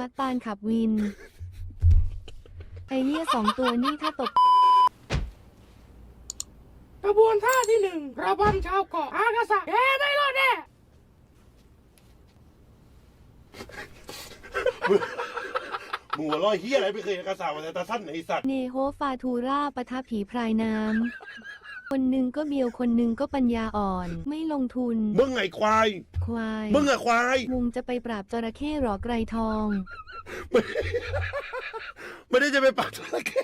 ตาลขับวินไอเหี้ย2 ตัวนี่ถ้าตกกระบวนท่าที่ 1ระบำชาวเกาะอากาศะแกไม่รอดแน่มึงหัวล้อเฮียอะไรไม่เคยกระสาวแต่ตาสั้นไอสัตว์เนโฮฟาทูราปะทะผีพรายน้ำคนหนึ่งก็เบียวคนหนึ่งก็ปัญญาอ่อนไม่ลงทุนมึงไงควายควายมึงอะควายมุงจะไปปราบจระเข้หรอไกรทองไม่ได้จะไปปราบจระเข้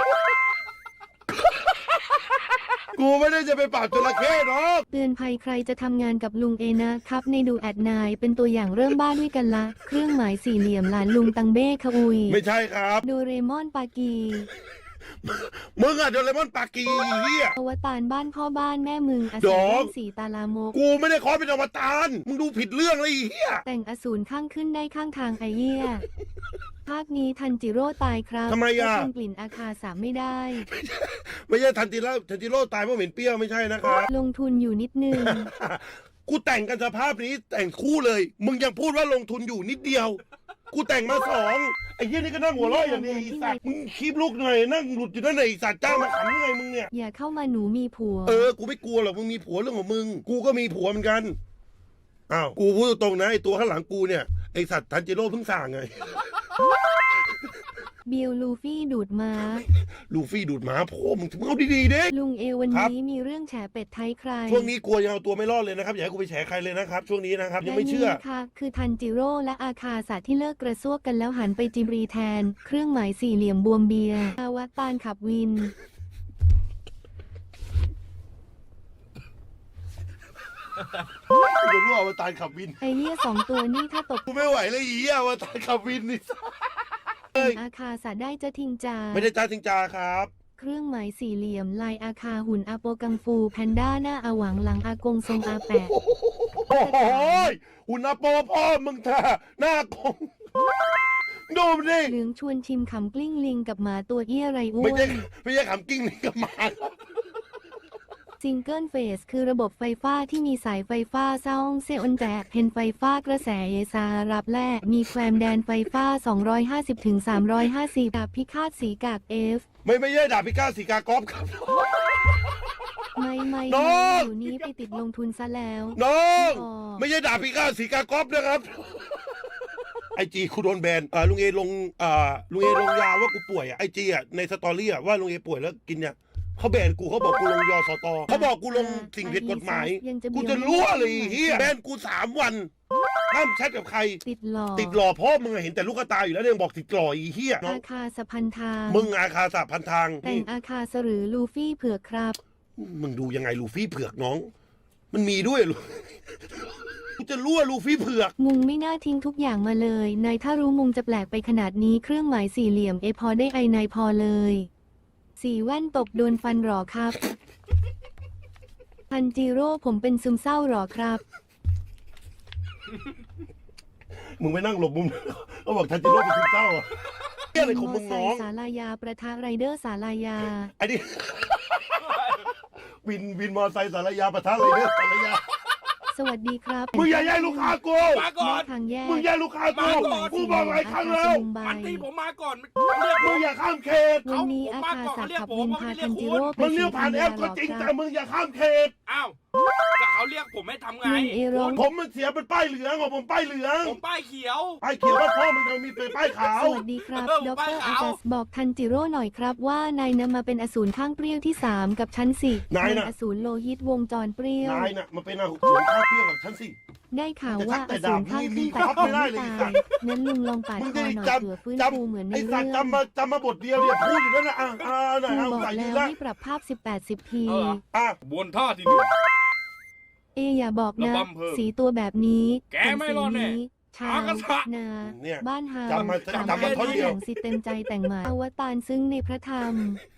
กูไม่ได้จะไปปราบจระเข้หรอกเตือนภัยใครจะทำงานกับลุงเอนะครับในดูแอดนายเป็นตัวอย่างเริ่มบ้าด้วยกันละเครื่องหมายสี่เหลี่ยมหลานลุงตังเบ้ขอุยไม่ใช่ครับโดเรมอนปากีมึงอะโดเรมอนปากีเฮียอวตารบ้านพ่อบ้านแม่มึงอดสูอรกสีตาลามกกูไม่ได้ขอเป็นอวตารมึงดูผิดเรื่องเลยไอ้เฮียแต่งอสูรข้างขึ้นได้ข้างทางไอเหี้ยภาคนี้ทันจิโร่ตายครับทำไมอะเพราทนกลิ่นอาคาสามไม่ได้ไม่ใช่ทันจิโร่ตายเพราะเหม็นเปรี้ยวไม่ใช่นะครับลงทุนอยู่นิดนึงกูแต่งกันสภาพนี้แต่งคู่เลย มึงยังพูดว่าลงทุนอยู่นิดเดียว กูแต่งมา2ไอ้เหี้ยนี่ก็นั่งหัวเราะอย่างนี้ไอ้สัตว์มึงคีบลูกหน่อยนั่งหลุดอยู่นั่นไหนไอ้สัตว์จ้างมาขำยังไงมึงเนี่ยอย่าเข้ามาหนูมีผัวกูไม่กลัวหรอกมึงมีผัวเรื่องของมึง กูก็มีผัวเหมือนกันอ้าวกูพูดตรงๆนะไอ้ตัวข้างหลังกูเนี่ยไอ้สัตว์ทันจิโร่เพิ่งสั่งไงบิลลูฟี่ดูดม้าลูฟี่ดูดหมาพ่อมึงเอาดีๆเด้ลุงเอวันครับนี้มีเรื่องแฉเป็ดไทยใครช่วงนี้กลัวยังเอาตัวไม่รอดเลยนะครับอย่าให้กูไปแฉใครเลยนะครับช่วงนี้นะครับยังไม่เชื่อและนี่ค่ะคือทันจิโร่และอาคาสะที่เลิกกระซวกกันแล้วหันไปจิบรีแทน เครื่องหมายสี่เหลี่ยมบวมเบียร์อวตารขับวินกูจะรู้อวตารขับวินไอเหี้ย2 ตัวนี่ถ้าตกกูไม่ไหวเลยอีอวตารขับวินนี่อาคาสะได้จะทิ้งจาไม่ได้จ้าทิงจาครับเครื่องหมายสี่เหลี่ยมลายอาคาหุ่นอาโปกังฟูแพนด้าหน้าอาหวังหลังอากงทรงอาแปะโอ้โหหุ่นอาโปพ่อมึงเถอะหน้ากงดูมันดิเหลืองชวนชิมขำกลิ้งลิงกับหมาตัวเอี้ยไรอ้วไม่ใช่นขำกิ้งนี่กับหมาครับซิงเกิลเฟสคือระบบไฟฟ้าที่มีสายไฟฟ้าซ่องเซออนแจกเพนไฟฟ้ากระแสเอซารับแลกมีแความแดนไฟฟ้า 250-350 ดาบพิฆาตสีกาก F ไม่ใช่ดาบพิฆาตสีกากอฟครับไม่น้องอยู่นี้ไปติดลงทุนซะแล้วน้องอ๋อไม่ใช่ดาบพิฆาตสีกากอฟนะครับไอจีกูโดนแบนลุงเอลงลุงเอลงยาว่ากูป่วยไอจีในสตอรี่ว่าลุงเอป่วยแล้วกินเนี่ยเขาแบนกูเขาบอกกูลงยอสตเขาบอกกูลงสิ่งผิดกฎหมายกูจะรั่วเลยเฮียแบนกู3 วันห้ามแชทกับใครติดหลอติดหล่อพ่อมึงเห็นแต่ลูกตาอยู่แล้วเนี่ยยังบอกติดหล่ออีเฮียน้ออาง คาสะพันทางมึงอาคาสะพันทางแต่งอาคาสหรือลูฟี่เผือกครับมึงดูยังไงลูฟี่เผือกน้อง มันมีด้วยลูกูจะรั่วลูฟี่เผือกมุงไม่น่าทิ้งทุกอย่างมาเลยนายถ้ารู้มุงจะแปลกไปขนาดนี้เครื่องหมายสี่เหลี่ยมพอได้ไอนายพอเลยสีแว่นตกโดนฟันหรอครับทันจิโร่ผมเป็นซึมเศร้าหรอครับมึงไปนั่งหลบมุมเขาบอกทันจิโร่เป็นซึมเศร้าอะเฮียอะไรของมึงน้องสาลายาประทะไรเดอร์สาลายาไอ้นี่ วินมอไซค์สารยาปะทะเลยเนี่ยสารยาสวัสดีครับมึงอย่าแย่งลูกค้ากูมาก่อนทางแยกมึงแย่งลูกค้ากูมาก่อนกูบอกหลายครั้งแล้วมันตีผมมาก่อนเขาเรียกผมึงมอย่าข้ามเขตวันนี้อาคาสะขับวินพาทันจิโร่ไปมึงเรีสียกผ่านแอปก็จริงคแต่รับมึงอย่าข้ามเขตอ้าวแต่เขาเรียกผมให้ทำไงลุงเอร้องผมมันเสียเป็นป้ายเหลืองของผมป้ายเหลืองผมป้ายเขียวป้ายเขียวว่าพ่อมึงยังมีเป็นป้ายขาวสวัสดีครับเออดไปรเอาอาจัสบอกทันจิโร่หน่อยครับว่านายนำมาเป็นอสูรข้างเปรี้ยวที่ 3 กับชั้นสี่นายน่ะอสูรโลหิตวงจรเปรี้ยวนายน่ะมันเป็นอาหุนข้าวเปรี้ยวกับฉันสิได้ข่าวว่าแต่อถ้าสูรข้างขึ้นแต่แต่ดาบคมีงไม่ไม่ได้เลยตายงั้นลุงลองปาดมึงคอจะหน่อยจเผื่อฟื้นำฟูเหมือนในไอ้สัเรื่ตองว์จำมาบทเดียวเนี่ยพูดอยู่นั่นนะหน่อยครูเอาบอกใส่แล้ดีวละให้ปรับภาพ 18-10 ทีเอออ่ะบวนท่าที่อย่าบอกนะระบำเพิ่มสีตัวแบบนี้แกไม่รอดแน่ชาอากาศะนาเนี่ยบ้านฮาจำมาสามจำมาท่อนเดียวแห่งสิเต็มใจแต่งมาอวตารซึ่งในพระธรรม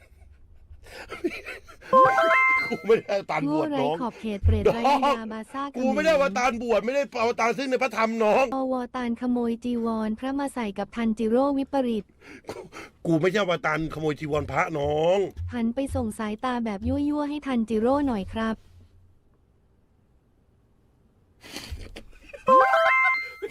กูไม่ได้อวตารบโง่วชไร้น้องขอบเขตเปรตไร้วิญญาบาซ่ากูไม่ได้อวตารบวชไม่ได้อวตารซึ่งในพระธรรมน้องอวตารขโมยจีวรพระมาใส่กับทันจิโร่วิปริตกูไม่ใช่อวตารขโมยจีวรพระน้องหันไปส่งสายตาแบบยั่วๆให้ทันจิโร่หน่อยครับ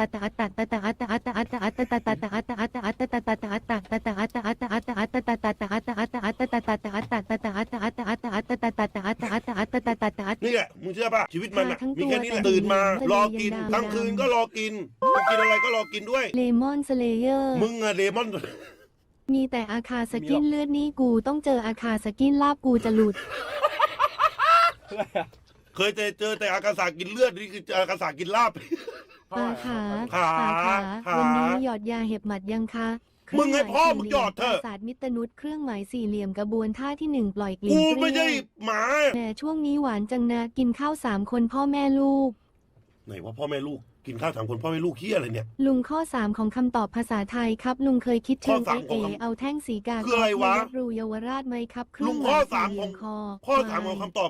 นี่แหละมึงเชื่อป่ะชีวิตมันอะทั้งตัวมีแค่นี้แหละแต่ตื่นมาหิวรอกินทะเลยังดำทั้งคืนก็รอกินจะกินอะไรก็รอกินด้วยเลมอนสเลเยอร์มึงอะเดมอนมีแต่อาคาสกินเลือดนี่กูต้องเจออาคาสกินลาบกูจะหลุดอะไรอะเคยเจอแต่อากาศากินเลือดนี่คืออากาศากินลาบขาขาวันนี้หยอดยาเห็บหมัดยังคะเครื่องหมึงให้มายพ่อสี่มึงเหหยลี่ยอมดเถอะปราสาทมิตรนุชเครื่องหมายสี่เหลี่ยมกระบวนท่าที่หนึ่งปล่อยกลิ่นกูเปไม่รี้ใช่ยวหมาแหมช่วงนี้หวานจังนะกินข้าว3 คนพ่อแม่ลูกไหนว่าพ่อแม่ลูกกินข้าว3 คนพ่อแม่ลูกเฮียอะไรเนี่ยลุงข้อ 3 ของคำตอบภาษาไทยครับ ลุงเคยคิดเชิงข้อสามเอของคำเอาแท่งสีกาคืออะไรวะในวัดรูเยาวราชไหมครับเครื่ลุองงหข้อมายสามสี่เหลี่ยมของคอข้อ3ของคำตอบ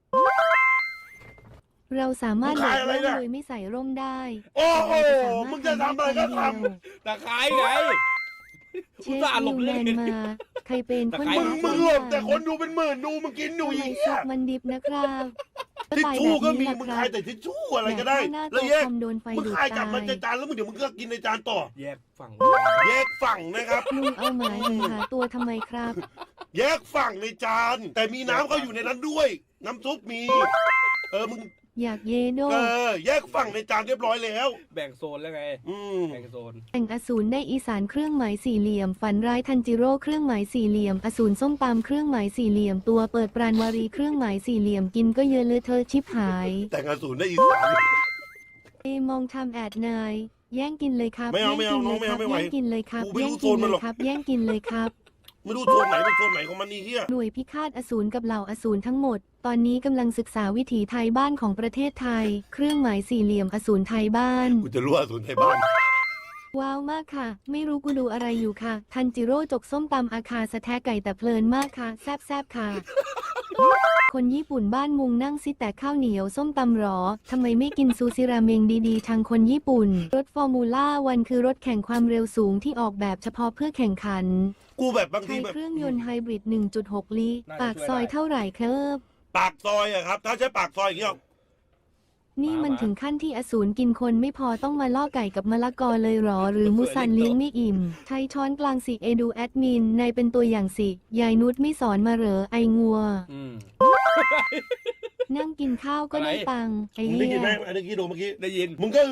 เราสามารถมึงโดขายดอะไรร่มเนี่ยโดยไม่ใส่ร่มได้โอ้โหเราสามารถมึงจะทำอะไรก็ทำตะไคร้ไงเชอุตฟส่าห์หลนิบวเลี่แมยงนมาใครเป็นคนแต่ใครมึงหลบแต่คนดูเป็นหมื่นดูมึงกินอยู่ทำไมอีกซุปมันดิบนะครับทิชชู่ก็มีไปแบบนี้มึงล่ะขายครับแต่ทิชชู่อะไรก็ได้หน้าแล้วโต๊ะแยกคอมโดนไฟมึงดูดขายกลับตามาย ในจานแล้วมึงเดี๋ยวมึงก็กินในจานต่อแยกฝั่งแยกฝั่งนะครับลุงเอาหมายถึงหาตัวทำไมครับแยกฝั่งในจาน แต่มีน้ำเขาอยู่ในนั้นด้วย น้ำซุปมี มึงอยากเยโดแยกฝั่งในจานเรียบร้อยแล้วแบ่งโซนแล้วไงอืมแบ่งโซนแต่งอสูรได้อีสานเครื่องหมายสี่เหลี่ยม ฝันร้ายทันจิโร่เครื่องหมายสี่เหลี่ยม อสูรส้มตำเครื่องหมายสี่เหลี่ยม ตัวเปิดปราณวารีเครื่องหมายสี่เหลี่ยมกินก็เยอะเลยเธอชิบหายแต่งอสูรได้อีสานมองทำแอดนายแย่งกินเลยครับไม่เอาไม่เอาแย่งกินน้องไม่เอาไม่ไหวแย่งกินเลยครับกูไม่แย่รู้งโซกินนมันเลหรยอกครับแย่งกินเลยครับไม่รู้โซนไหนเป็นโซนไหนของมันนี่เฮียหน่วยพิฆาตอสูรกับเหล่าอสูรทั้งหมด ตอนนี้กำลังศึกษาวิถีไทยบ้านของประเทศไทย เครื่องหมายสี่เหลี่ยมอสูรไทยบ้านกูจะรู้อสูรไทยบ้านว้าวมากค่ะ ไม่รู้กูดูอะไรอยู่ค่ะ ทันจิโร่จกส้มตำอาคาสะแทะไก่แต่เพลินมากค่ะ แซบๆค่ะ คนญี่ปุ่นบ้านมุงนั่งซิแต่ข้าวเหนียวส้มตำหรอ ทำไมไม่กินซูซิราเมงดีๆ ทางคนญี่ปุ่น รถฟอร์มูล่าวันคือรถแข่งความเร็วสูงที่ออกแบบเฉพาะเพื่อแข่งขันกูแบบบางทีใช้แบบเครื่องยนต์ไฮบริด 1.6 ลิตรน่าจะปากช่วยซอยได้เท่าไหร่ครับปากซอยอะครับ ถ้าใช้ปากซอยอย่างเงี้ยนี่มันถึงขั้นที่อสูรกินคนไม่พอต้องมาล่อไก่กับมะละกอเลยหรอ หรือมุสันเลี้ยงไม่อิ่ม ใช้ช้อนกลางสิเอดูแอดมินนายเป็นตัวอย่างสิ ยายนุชไม่สอนมาเหรอไองัวอืมนั่งกินข้าวก็ได้ตังค์ไอมึงได้เหี้ยินไหมยอันนี้ดูเมื่อกี้ได้ยินมึงก็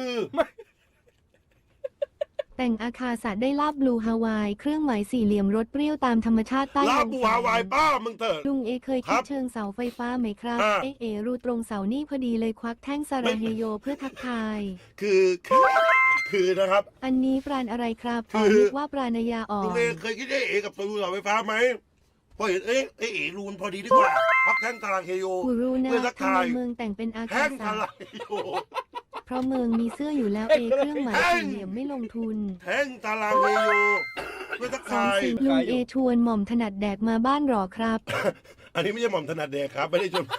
แต่งอาคาสะได้ลาบบลูฮาวายเครื่องหมายสี่เหลี่ยมรสเปรี้ยวตามธรรมชาติใต้ลาลบมบูฝฮาวายป้ามึงเถอะลุงเอเคยครัคิดบเชิงเสาไฟฟ้าไหมครับอ่ารูตรงเสานี่พอดีเลยควักแท่งสาราเฮโยเพื่อทักทายคือนะครับอันนี้ปราณอะไรครับคือนึกว่าปราณยาอ่อลุงนเอเคยคิดได้เอกับตูเสาไฟฟ้าไหมพอเห็นเอ๋รูนพอดีดีกว่าพักแท่งตารางเฮโยกูรู้นะเพื่อทักทำทายไมเมืองแต่งเป็นอาแท่คางตาสะรางเฮโยเพราะเมืองมีเสื้ออยู่แล้วเอเครื่องหมายสี่เหลี่ยมไม่ลงทุนแท่งตารางเฮโยเพื่อทักสองทายสิ่งลุงเอชวนหม่อมถนัดแดกมาบ้านหรอครับอันนี้ไม่ใช่หม่อมถนัดแดกครับไม่ได้ชม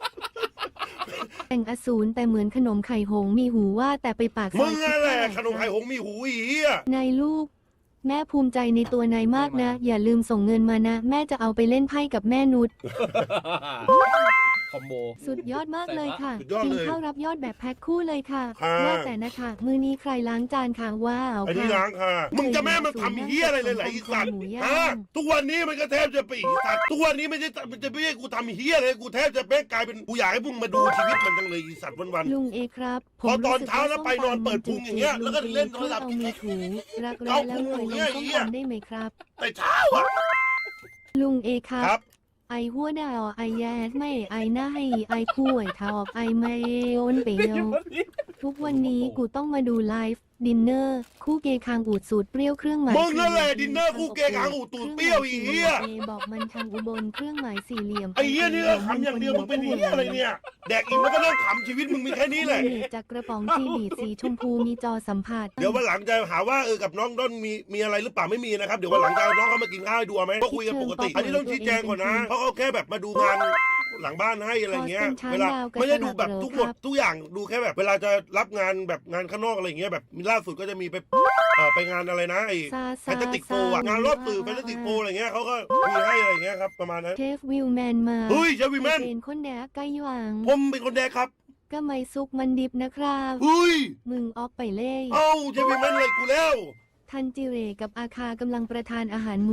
แต่งอสูรแต่เหมือนขนมไข่หงส์มีหูว่าแต่ไปปากซมึอยงคิดนั่นแหละว่าขนมไข่หงส์มีหูอีเหี้ยนายลูก แม่ภูมิใจในตัวนายมากนะ อย่าลืมส่งเงินมานะ แม่จะเอาไปเล่นไพ่กับแม่นุชคอมโบสุดยอดมากเลยค่ะสุดยอดกินเลยข้าวรับยอดแบบแพ็คคู่เลยค่ะค่ะว่าแต่นะคะมือนี้ใครล้างจานค่ะว้าวอันนี้ค่ะล้างค่ะ มึงจะแม่มันทำเหี้ยอะไรเลยเหรอไอีสัตว์หมูย่างฮะทุกวันนี้มันก็แทบจะไปอีสัตว์ทุกวันนี้ไม่ใช่มันจะไม่ใช่กูทำเหี้ยเลยกูแทบจะแม่งกลายเป็นกูอยากให้มึงมาดูชีวิตมันจังเลยอีสัตว์วันลุงเอครับพอตอนเช้าแล้วไปนอนเปิดพุงอย่างเงี้ยแล้วก็เล่นโทรศัพท์เอามือถูรักแร้เอาแล้วพุงรวยอย่างลเงี้งยส้มตำได้ไหมครับๆแต่เช้าอ่ะลุงเอครัครับไอหัวดาวไอแยดไม่ไอหน้าให้ไอป่วยทอกไอไม่โอนเปียว ทุกวันนี้กูต้องมาดูไลฟ์ดินเนอร์คู่เกคางอูดสูตรเปรี้ยวเครื่องหมายมึงนั่นแหละดินเนอร์คู่เกคางอูดตูดเปรี้ยวอีเหี้ยเอบอกมันทางอุบลเครื่องหมายสี่เหลี่ยมไอ้เหี้ยนี่ก็ขำอย่างเดียวมึงเป็นเหี้ยอะไรเนี่ยแดกอิ่มแล้วก็นั่งขำชีวิตมึงมีแค่นี้แหละนี่จากกระป๋องจีบีสีชมพูมีจอสัมผัสเดี๋ยววันหลังจะหาว่ากับน้องด้นมีอะไรหรือเปล่าไม่มีนะครับเดี๋ยววันหลังจะเอาน้องเขามากินข้าวให้ดูเอาไหมก็คุยกันปกติ อันนี้ต้องชี้แจงก่อนนะเพราะเขาแค่แบบมาดูงานหลังบ้านให้อะไรเงี้ยเวลาไม่ได้ดูแบบทุกอย่างดูแค่แบบเวลาจะรับงานแบบงานข้างนอกอะไรเงี้ยแบบล่าสุดก็จะมีไปงานอะไรนะไอ้ซาแฟนตาติกโฟอะงานรอบสื่อแฟนตาติกโฟอะไรเงี้ยเขาก็มีให้อะไรเงี้ยครับประมาณนั้นเชฟวิลแมนมาเฮ้ยเชฟวิลแมนเป็นคนแดกไก่หวังผมเป็นคนแดกครับก็ไม่ซุกมันดิบนะครับเฮ้ยมึงออกไปเล่เอ้าเชฟวิลแมนเลยกูแล้วทันจิเรกับอาคากำลังประทานอาหารหมู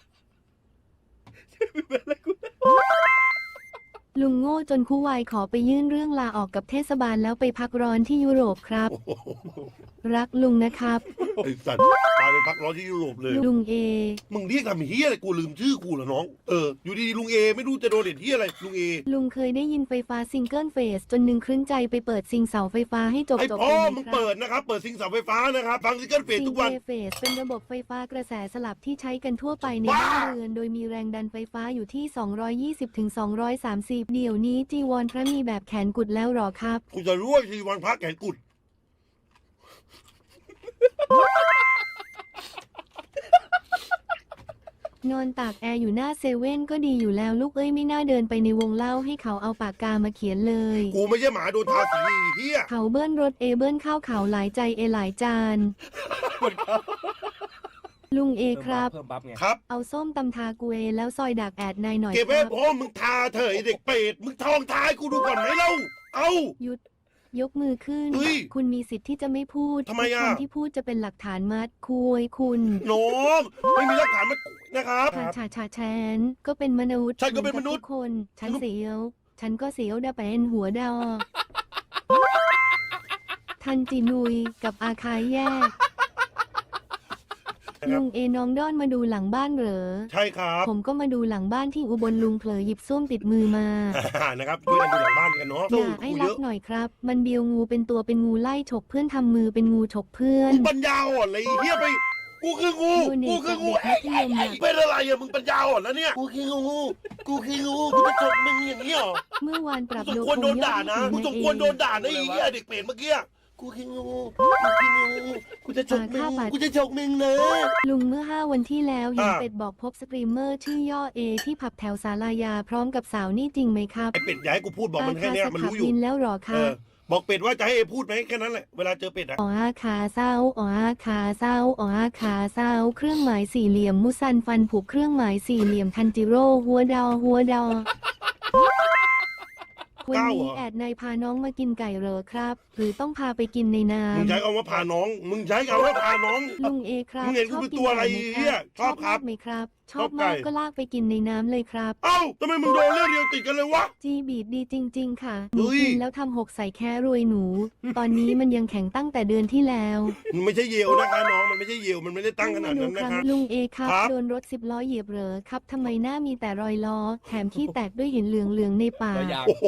ลุงโง่จนคู่วายขอไปยื่นเรื่องลาออกกับเทศบาลแล้วไปพักร้อนที่ยุโรปครับ รักลุงนะครับไอ้สัตว์ตายายเป็นพักร้อนที่ยุโรปเลยลุงเอมึงเรียกทำเฮียอะไรกูลืมชื่อกูเหรอน้องอยู่ดีๆลุงเอไม่รู้จะโดนเด็ดเฮียอะไรลุงเอลุงเคยได้ยินไฟฟ้าซิงเกิลเฟสจนหนึ่งครึ่งใจไปเปิดซิงเสาไฟฟ้าให้จบไอ้จบพ่อไปมึงครับเปิดนะครับเปิดซิงเสาไฟฟ้านะครับฟังซิงเกิลเฟสซิงทุกวันเฟสเป็นระบบไฟฟ้ากระแสสลับที่ใช้กันทั่วไปในว้าบ้านเรือนโดยมีแรงดันไฟฟ้าอยู่ที่ 220 ถึง 230 เดี๋ยวนี้จีวรพระมีแบบแขนกุดแล้วหรอครับกูจะรู้ว่าทีวันพักแขนกุดนอนตากแอร์อยู่หน้าเซเว่นก็ดีอยู่แล้วลูกเอ้ยไม่น่าเดินไปในวงเล่าให้เขาเอาปากกามาเขียนเลยกูไม่ใช่หมาโดนทาสีเฮียเขาเบิ้ลรถเอเบิ้ลข้าวเขาหลายใจเอหลายจาน ลุงเอครับเพิ่มบัฟไงครับเอาส้มตำทากูเอแล้วซอยดักแอดนายหน่อยเก็บคไว้รับพ่อมึงทาเถอะไอ้เด็กเป็ดมึงทองทายกูดูก่อนไหมเล่าเอาหยุดยกมือขึ้นเฮ้ยคุณมีสิทธิ์ที่จะไม่พูดทำไมอะทุกคำที่พูดจะเป็นหลักฐานมัดคุยคุณน้องไม่มีหลักฐานมานะครับชาฉันก็เป็นมนุษย์ฉันก็เป็นมนุษย์หอกัทุกคนฉันเสียว ฉันก็เสียวดาเป็นหัวดอ ทันจีนุยกับอาคายแยกนะครับลุงเอน้องด้อนมาดูหลังบ้านเหรอใช่ครับผมก็มาดูหลังบ้านที่อุบลลุงเผลอหยิบส้วมติดมือมานะครับช่วยกันดูหลังบ้านกันเนาะอย่าไอ้กูรัเยกอะหน่อยครับ มันเบียวงูเป็นตัวเป็นงูไล่ฉกเพื่อนทำมือเป็นงูฉกเพื่อนมึงปัญญาอ่อนเลยไอ้เฮียไปกูคืองูดูเน็ตกูคืองูกับเด็กมัธยมอะเป็นอะไรอะมึงปัญญาอ่อนแล้วเนี่ยกูคืองูกูจะจบมึงอย่างนี้เหรอเมื่อวานปรับมึงสมโดควรโดนด่านะคมึงงสยอมดควรโดนวิวด่านะไอ้เหี้ยเด็กเปรตเมื่อกี้กูคืองูกูจะจบมึงกูจะจบมึงนะลุงเมื่อ 5 วันที่แล้วเห็นอ่าเป็ดบอกพบสตรีมเมอร์ชื่อย่อเอที่ผับแถวศาลายาพร้อมกับสาวนี่จริงไหมครับไอ้เป็ดอย่าให้กูพูดบอกมันแค่เนี้ยมันรู้อยู่บินแล้วหรอคเอรับอบอกเป็ดว่าจะให้เอพูดไหมแค่นั้นแหละเวลาเจอเป็ดอะอ๋อขาเศร้าอ๋อขาเศร้าอ๋อขาเศร้าเครื่องหมายสี่เหลี่ยมมุซันฟันผูกเครื่องหมายสี่เหลี่ยมทันจิโร่หัวดอวันนี้แอดนายพาน้องมากินไก่เหรอครับ หรือต้องพาไปกินในน้มึงใช้คำว่าพาน้องมึงใช้คำว่าพาน้องำลุงเอครับมึงเห็นกูเป็นตัวอะไรชบกินเหี้ยไก่ชอบครับมากไหมครับ ชชออบบ มากไก่ก็ลากไปกินในน้ำเลยครับเอ้าทำไมมึงโดนเรื่องเดียวติดกันเลยวะจีบีดดีจริง ๆ ค่ะหนูเฮ้ยกินแล้วทำหกใส่แค่รวยหนู ตอนนี้มันยังแข็งตั้งแต่เดือนที่แล้วมันไม่ใช่เยลนะคะน้องมันไม่ใช่เยลมันไม่ได้ตั้งขนาดนั้นคนะรับคะลุงเอครับครับโดนรถ10 ล้อเหยียบเหรอครับทำไมหน้ามีแต่รอยล้อ แถมขี้แตกด้วยเห็นเหลืองๆในปากตัวอย่างโอ้โห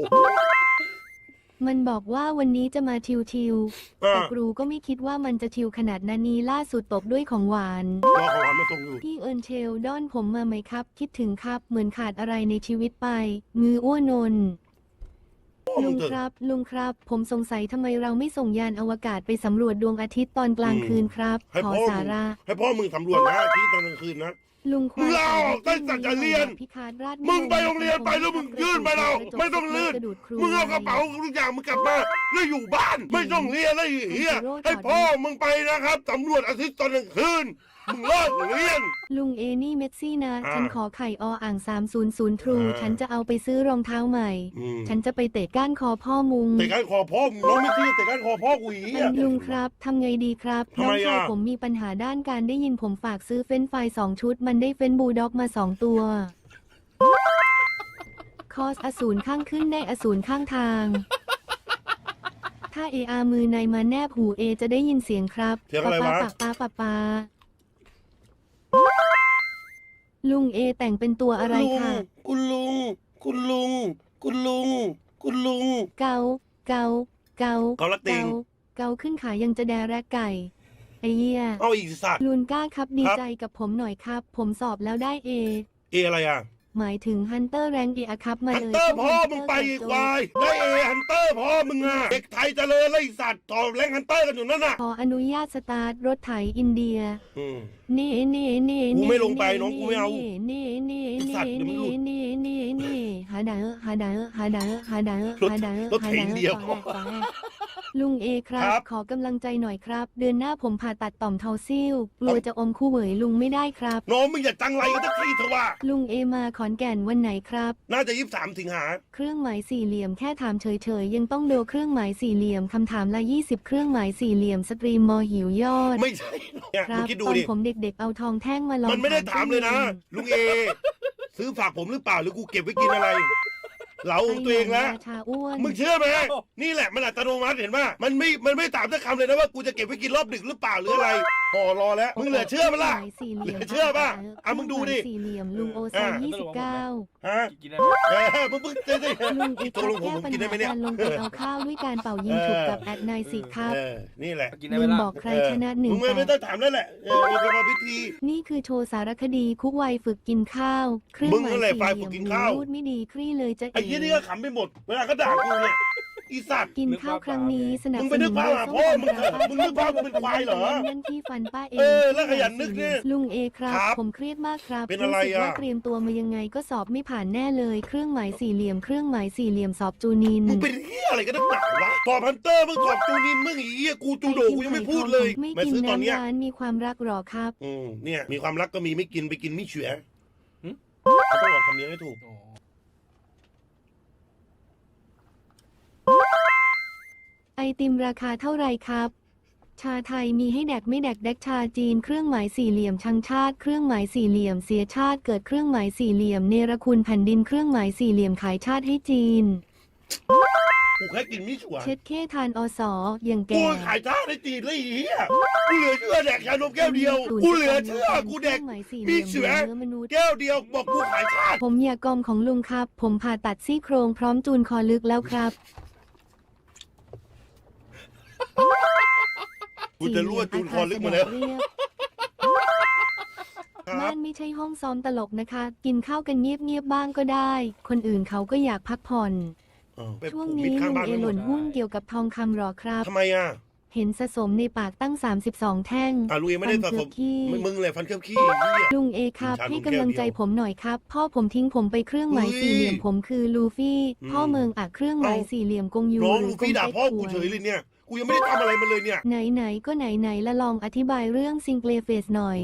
มันบอกว่าวันนี้จะมาทิวๆอ่าแต่ครูก็ไม่คิดว่ามันจะทิวขนาดนั้นนี้ล่าสุดตบด้วยของหวานรอของหวานมาส่งอยู่พี่เอิญเชลด้อนผมมาไหมครับ คิดถึงครับ เหมือนขาดอะไรในชีวิตไป งืออ้วนนพ่อมึลุงงเถอะครับ ลุงครับ ผมสงสัยทำไมเราไม่ส่งยานอวกาศไปสำรวจดวงอาทิตย์ตอนกลางคืนครับให้ขอพ่อสามึงระให้พ่อมึงสำรวจนะที่ตอนกลางคืนนะลุงควายมึงลาออกตั้งแต่จะเรียนพิคาร์ดราชมึงไปโรงเรียนไปแล้วมึงยื่นไปเราไม่ต้องลื่น มึงเอากระเป๋าทุกอย่างมึงกลับมาแล้วอยู่บ้าน ไม่ต้องเรียนแล้วไอ้เฮียให้พ่อมึงไปนะครับสำรวจอาทิตย์ตอนกลางคืนมึงเลิกเรียนลุงเอนี่เมสซี่นะอ่าฉันขอไข่ออ่าง300 ทรู ฉันจะเอาไปซื้อรองเท้าใหม่อืมฉันจะไปเตะก้านคอพ่อมุงแต่การคอพ่อมึงน้องไม่เชื่อแต่การคอพ่อกูอีลุงครับทำไงดีครับทำไมน้องชายอ่ะผมมีปัญหาด้านการได้ยินผมฝากซื้อเฟรนช์ฟราย2 ชุด มันได้เฟรนช์บูลด็อกมา 2 ตัว คอสอสูรข้างขึ้นได้อสูรข้างทาง ถ้าเออามือในมาแนบหูเอจะได้ยินเสียงครับเสียงอะไรวะปาลุงเอแต่งเป็นตัวอะไรค่ะคุณลุง คุณลุง คุณลุง คุณลุงเกา เกา เกาเกาละติงเกาขึ้นขายังจะแดแรกไก่ ไอ้เหี้ยเอาอีกสัตว์ลุนก้าครับดีครับใจกับผมหน่อยครับ ผมสอบแล้วได้เอเออะไรอ่ะหมายถึงฮันเตอร์แรงเออะครับมาฮันเลยเตอร์พ่อมึงไปอีกควายได้เอฮันเตอร์พ่อมึงอ่ะเด็กไทยเจริญเลยไอ้สัตว์ต่อแรงฮันเตอร์กันอยู่นั่นน่ะขออนุญาตสตาร์ทรถไถอินเดียอืมเน่เน่เน่กูไม่ลงไปน้องกูไม่เอาเน่เน่ไอ้สัตว์เดี๋ยวมึงหลุดเน่เน่เน่หาดาหาดาหาดาหาดารถหาดารถไถอินเดียลุงเอครัครับ บขอกำลังใจหน่อยครับ เดือนหน้าผมผ่าตัดต่อมทอนซิลกลัวจะอมคู่เหวยลุงไม่ได้ครับน้องมึงอย่าจังไรกันสักทีเถอะว่าลุงเอมาขอนแก่นวันไหนครับน่าจะ23 สิงหาเครื่องหมายสี่เหลี่ยมแค่ถามเฉยๆยังต้องโดเครื่องหมายสี่เหลี่ยมคำถามละ20 เครื่องหมายสี่เหลี่ยมสตรีมมอหิวยอดไม่ใช่เนี่ยคมึรังบคิดดูตอนดิผมเด็กๆเอาทองแท่งมาลองมันไม่ได้ถามเลยนะตู้ลุงเอ ซื้อฝากผมหรือเปล่าหรือกูเก็บไว้กินอะไร เหลาย็นของตัวเองแล้วราชาอ้วนมึงเชื่อไหมนี่แหละมันอัตโนมัติเห็นป่ะมันไม่ถามสักคำเลยนะว่ากูจะเก็บไว้กินรอบดึกหรือเปล่าหรืออะไรห่อรอแล้วมึงเหลือเชื่อปะล่ะครื่องหมายสี่เหลี่ยมเหลือเชื่อปะอ่ะมึงดูดิเครื่องหมายสี่เหลี่ยมลุงโอซอย29 ฮะกินได้ไหมมึงจะได้ลุงเอกตกลงผมแก้ปัญกินได้หาไหมเนี่ยการลงไปเอาข้าวด้วยการเป่ายิงฉุบกับแอดไนสิครับนี่แหละกินได้ไหมลุงล่ะบอกใครชนะหนึ่งมึงไม่แปต้อดงถามแล้วแหละมันเป็นพิธีนี่คือโชว์สารคดีคุกวัยฝึกกินข้าวเครื่องมึงหมายนั่นแหละสี่ฝ่ายเหฝึลี่ยมกกินข้าวพูดไม่ดีครี่เลยจะไอ้ยี่นี่ก็ขำไปหมดเวลาเขาด่ากูเนี่ยอีสัตว์กินข้าวครั้งนี้สนับมึงสไปนึนุกนภาพหาพ่อมึงเถอะมึงนึกภาพมึงเป็นควายเหรอนั่นที่ฟันป้าเองแล้วขยันนึกเนี่ยลุงเอครับครับผมเครียดมากครับเป็นอะไรสึกว่าอ่ะเตรียมตัวมายังไงก็สอบไม่ผ่านแน่เลยเครื่องหมายสี่เหลี่ยมเครื่องหมายสี่เหลี่ยมสอบจูนินมึงเป็นเหี้ยอะไรกันนักหนาวะสอบฮันเตอร์มึงสอบจูนินมึงไอ้เหี้ยกูจูโดกูยังไม่พูดเลยไม่มากินซื้อตอนเนี้ยน้ำร้านมีความรักหรอครับเนี่ยมีความรักก็มีไม่กินไปกินไม่เฉื่อยหึเขาต้องบอกคำนี้ให้ถูกโอ้ไอติมราคาเท่าไหร่ครับ ชาไทยมีให้แดกไม่แดกแดกชาจีนเครื่องหมายสี่เหลี่ยมชังชาติเครื่องหมายสี่เหลี่ยมเสียชาติเกิดเครื่องหมายสี่เหลี่ยมเนรคุณแผ่นดินเครื่องหมายสี่เหลี่ยมขายชาติให้จีนกูแค่กินไม่เฉื่อยเช็ดเข้ทานอสออย่างกูแก่ขายชาในจีนเลยไอ้เหี้ยกูเหลือเชื่อแดกชานมแก้วเดียวกูเหลือเชื่อกูแดกเครื่องหมายสี่เหมีลี่ยมเฉื่อยเนื้อมนุษย์แก้วเดียวบอกกูขายชาติผมอยากกอมของลุงครับ ผมผ่าตัดซี่โครงพร้อมจูนคอลึกแล้วครับกูจะรั่วจูนคอลึกมาแล้วเรียบครับ้าบนไม่ใช่ห้องซ้อมตลกนะคะ กินข้าวกันเงียบๆบ้างก็ได้ คนอื่นเขาก็อยากพักผ่อนไปช่วงผูกมินี้ดข้างลุงบ้านเอไม่หหมล่ดนหุ้นเกี่ยวกับทองคำหรอครับทำไมอ่ะเห็นสะสมในปากตั้ง 32 แท่งลุงเอไม่ได้สะสมฟันเกือบขี้มึงเลยฟันเคลือบขี้เหี้ยลุงเอครับชาลุงให้กำลังใจแก้วเดียวผมหน่อยครับ พ่อผมทิ้งผมไปเครื่องหมายเฮ้ยสี่เหลี่ยมผมคือลูฟี่อืมพ่อเมืองอ่ะเครื่องหมายเอ้าสี่เหลี่ยมกงยูน้องหรืลูอกงฟี่ด่าเต็กพ่อกูหวยเฉยเลยเนี่ย กูยังไม่ได้ทำอะไรมันเลยเนี่ยไหนก็ไหนละลองอธิบายเรื่องซิงเกิลเฟสหน่อย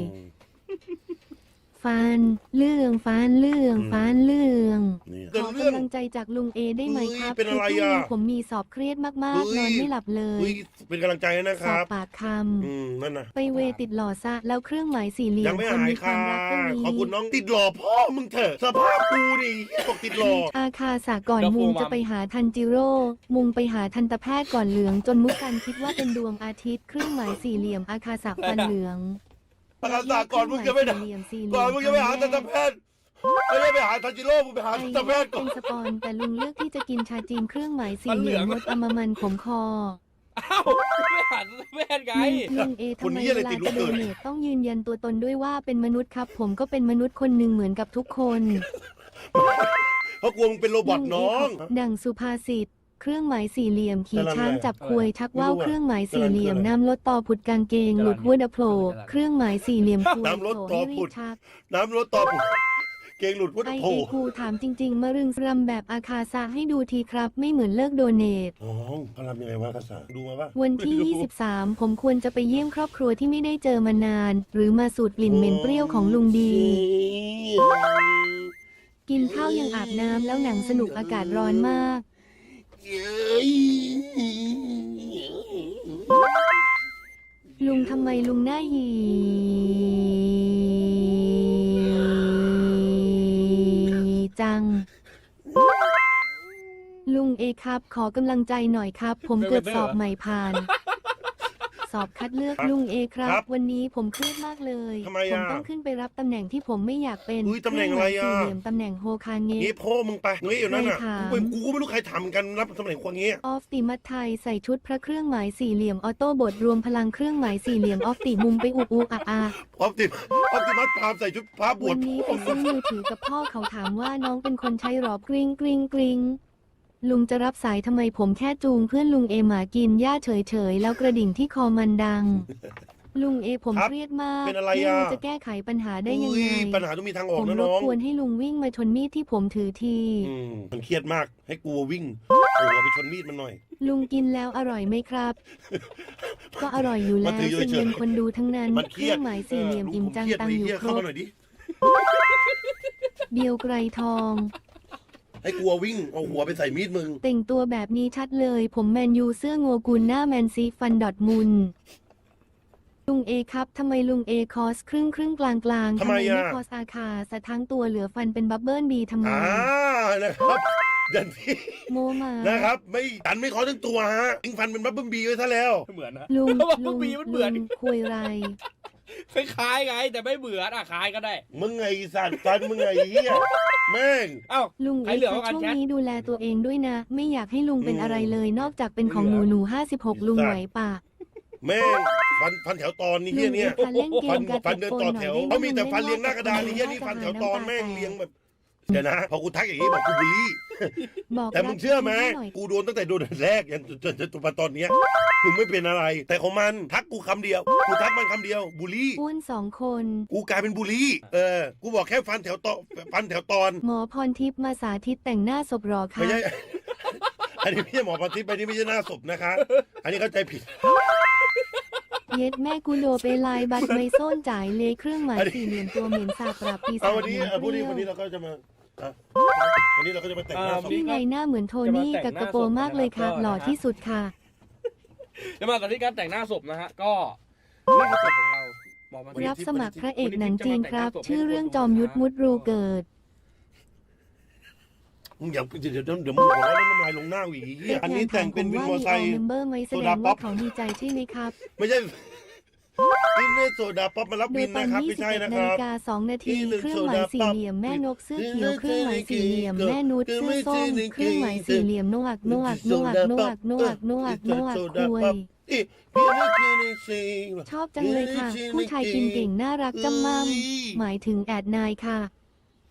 ฟันเรื่องฟันเรื่องอืมฟันเรื่องนี่ขอกำลังใจจากลุงเอได้ไหมครับเฮ้ยเป็นอะไรคืพรุ่งนี้อ่ะผมมีสอบเครียดมากเฮ้ๆยนอนไม่หลับเลยอุ้ยเป็นกำลังใจให้นะคสอบรับปากคนั่นนะำไปเวติดหล่อซะแล้วเครื่องหมายสี่เหลี่ยยัมงไม่คนหายมีความค่ะรักก็มีขอบคุณน้องติดหล่อพ่อมึงเถอะ สภาพกูนี่เหี้ยบอกติดหล่ออาคาสะก่อนมุงจะไปหาทันจิโร่ มุงไปหาทันตแพทย์ก่อนเหลือง จนมุกกันคิดว่าเป็นดวงอาทิตย์เครื่องหมายสี่เหลี่ยมอาคาสะฟันเหลืองประกาศาก่อนมึงจะไม่ได้เครื่องหมายสี่เหลี่ยมก่อนมึงจะไปหาทันตแพทย์ไม่ได้ไปหาทันจิโร่มึงไปหาไอ้ทันตแพทย์ก่อเป็น นสปอนแต่ลุงเลือกที่จะกินชาจีนเครื่องหมายสี่เหลี่ยมมดอมมันขมคออ้าวไม่หันแม่นไงลุงเอทำไมเวลาจะโดเนทต้องยืนยันตัวตนด้วยว่าเป็นมนุษย์ครับ ผมก็เป็นมนุษย์คนหนึ่งเหมือนกับทุกคนเพราะกลัวมึงเป็นโรบอทน้องดังสุภาษิตเครื่องหมายสี่เหลี่ยมขี่ช้างจับควยชักไม่รู้ว่าวอะเครื่องหมายสี่เหลี่ยมกำลังน้ำลดต่อผุดกางเกงหลุดหัวดะโผล่เครื่องหมายสี่เหลี่ยมควยน้ำลดต่อผุดโผล่ให้รีบชักน้ำรถต่อผมเกงหลุดพุทธไอโผเอครูถามจริง ๆ มารึงรำแบบอาคาซาให้ดูทีครับ ไม่เหมือนเลิกโดเนทน้องเขาทำยังไงวะภาษาดูมาปะวันที่ 23 ผมควรจะไปเยี่ยมครอบครัวที่ไม่ได้เจอมานาน หรือมาสูดกลิ่นเหม็นเปรี้ยวของลุงดี กินข้าวยังอาบน้ำแล้วหนังสนุกอากาศร้อนมาก ลุงทำไมลุงหน้าหีจัง ลุงเอครับ ขอกำลังใจหน่อยครับ ผมเกือบสอบใหม่ผ่าน สอบคัดเลือกลุงเอครับ วันนี้ผมเครียดมากเลยทำไมผมอ่ะต้องขึ้นไปรับตำแหน่งที่ผมไม่อยากเป็นอุ๊ยตำแหน่งอะไรอ่ะเคงหมายสี่เหลี่ยมตำแหน่งโฮคาเงะงี้พ่อมึงไปงี้อยู่นั่นน่ะใครถามกูก็ไม่รู้ใครทำกันรับตำแหน่งควงงี้ออฟติมัตไทยใส่ชุดพระเครื่องหมายสี่เหลี่ยมออโต้บทรวมพลังเครื่องหมายสี่เหลี่ยมออฟติมุมไปอุอุอะอาออปติมัสพามใส่ชุดพระบววัชนนี้ไปซื้อมือถือกับพ่อเขาถามว่าน้องเป็นคนใช้หรอกริงกริงกริงลุงจะรับสายทำไมผมแค่จูงเพื่อนลุงเอหมากินหญ้าเฉยๆแล้วกระดิ่งที่คอมันดัง ลุงเอผมครับเครียดมากเป็นอะไรไม่อ่ะรู้จะแก้ไขปัญหาได้ยังไงปัญหาต้องมีทางอผอกมนะรน้บองกวนให้ลุงวิ่งมาชนมีดที่ผมถือทีมันเครียดมากให้กูวิ่งเอาหัวไปชนมีดมันหน่อยลุงกินแล้วอร่อยไหมครับ ก็อร่อยอยู่แล้วมันถืออยู่ซึ่งเฉยๆเป็นคนดูทั้งนั้นมันเคเครียรื่ดองหมายสี่เหลี่ยมอิ่มจังเครียดตังอยู่เหี้ยครเข้าบมาหน่อยดิเดียวไกรทองให้กูวิ่งเอาหัวไปใส่มีดมึงแต่งตัวแบบนี้ชัดเลย ผมแมนยูเสื้องัวกุลหน้าแมนซีฟันดอทมุนลุงเอครับทำไมลุงเอคอสครึ่งกลางทำไมไม่อ่ะคอสอาคาสะทั้งตัวเหลือฟันเป็นบับเบิ้ลบีทำไมนะครับยันที่โมมานะครับไม่ตันไม่ขอทั้งตัวฮะยิงฟันเป็นบับเบิ้ลบีไว้ซะแล้วเหมือนนะลุงว่าลุงปีมันเหมือนลุงคุยไรคล้ายๆไง แต่ไม่เหมือนคล้ายก็ได้มึงไงสัตว์ฟันมึงไงเฮียแม่งเอ้าลุงใครเอ็กเหลือซ์กันช่วงแชทนี้ดูแลตัวเองด้วยนะ ไม่อยากให้ลุงเป็นอะไรเลย นอกจากเป็นของหนู56ลุงไหวปะแม่งฟันแถวตอนนี่ลุเฮียงเนี่เอ็ยกซ์คะเล่นเกฟัมนกับฟันเดินต่อแถวเขามีแต่ฟันเรียงหน้ากระดานนี่เฮียนี่ฟันแถวตอนแม่งเรียงแบบเดี๋ยวนะพอกูทักอย่างนี้บอกกูบูลลี่บอกแต่มึงเชื่อไหมรักหน่อย กูกูโดนตั้งแต่โดนแรกยันจนตอนเนี้ยมึงไม่เป็นอะไร แต่ของมันทักกูคำเดียวกูทักมันคำเดียวบูลลี่อ้วน2 คนกูกลายเป็นบูลลี่กูบอกแค่ฟันแถวตอนหมอพรทิพย์มาสาธิตแต่งหน้าศพหรอคะไม่ใช่ อันนี้ไม่ใช่หมอปฏิบัติอันนี้ไม่ใช่หน้าศพนะคะ อันนี้เข้าใจผิดเย็ดแม่กูโดไปลายบัตรไม่โซนจ่ายเลยเครื่องหมายสี่เหลี่ยมตัวเหม็นสาบปราบปีศาเอาจวันนี้เหม็นพูดเปนี้รี้ยววันนี้เราก็จะมาวันนี้เราก็จะมาแต่งหน้าศพนี่ไงหน้าเหมือนโทนี่กับกระโปรงมากเลยค่ะ หล่อที่สุดค่ะจะมาตอนที่การแต่งหน้าศพนะฮะ ก็นี่คือศพของเราบอกมารับสมัครพระเอกหนังจีนครับ ชื่อเรื่องจอมยุทธมุดรูเกิดมึงอย่าเดี๋ยวมึงขอแล้วน้ำลายลงหน้าอีกอันนี้แต่งเป็นวินมอไซค์เมมเบอร์ไหมแสดงว่าเขาดีใจใช่ไหมครับไม่ใช่อินเนอร์โซดาป๊อปมารับโดวิยนตอนนะครับไม่ใช่ 21 นะนาคฬิรับกา2 นาที เครื่องหมายสี่เหลี่ยมแม่นกเสื้อเขียวเครื่องหมายสี่เหลี่ยมแม่นุชเสื้อส้มเครื่องหมายสี่เหลี่ยมนวกคุย ชอบจังเลยค่ะ ผู้ชายกินเก่งน่ารักจำมั่มหมายถึงแอดนายค่ะ